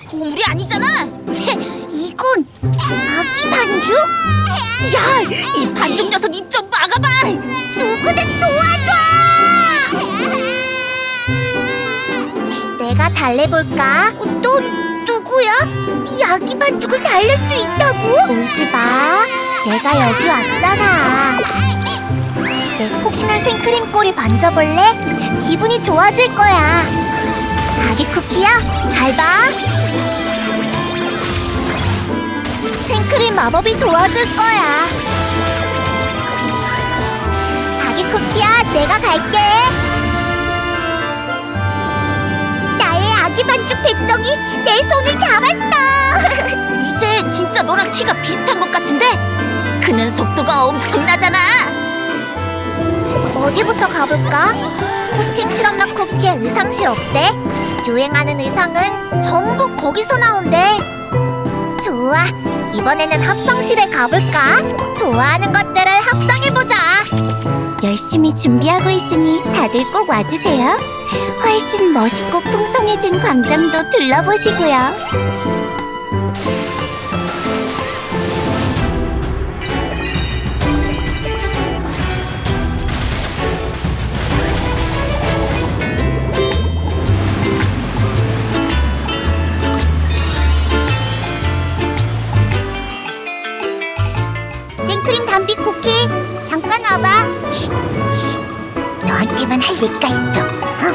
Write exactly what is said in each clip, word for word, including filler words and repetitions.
보물이 아니잖아. 채, 이건 아기 반죽? 야, 이 반죽 녀석 입 좀 막아봐. 누구든 도와줘! 내가 달래볼까? 또 누구야? 이 아기 반죽을 달랠 수 있다고? 울지 마. 내가 여기 왔잖아. 내 폭신한 생크림 꼬리 만져볼래? 기분이 좋아질 거야. 아기 쿠키야, 잘 봐. 생크림 마법이 도와줄 거야. 아기 쿠키야, 내가 갈게. 나의 아기 반죽 백덩이 내 손을 잡았어. 이제 진짜 너랑 키가 비슷한 것 같은데? 그는 속도가 엄청나잖아. 어디부터 가볼까? 코팅 실험락 쿠키의 의상실 어때? 유행하는 의상은 전부 거기서 나온대. 좋아, 이번에는 합성실에 가볼까? 좋아하는 것들을 합성해보자. 열심히 준비하고 있으니 다들 꼭 와주세요. 훨씬 멋있고 풍성해진 광장도 둘러보시고요. 생크림 담비 쿠키, 잠깐 와봐. 너한테만 할 얘기가 있어.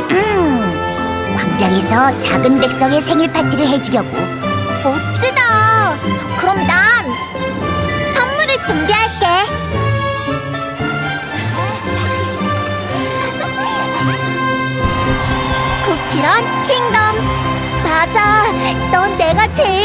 광장에서 작은 백성의 생일 파티를 해주려고. 멋지다. 그럼 난 선물을 준비할게. 쿠키런 킹덤. 맞아, 넌 내가 제일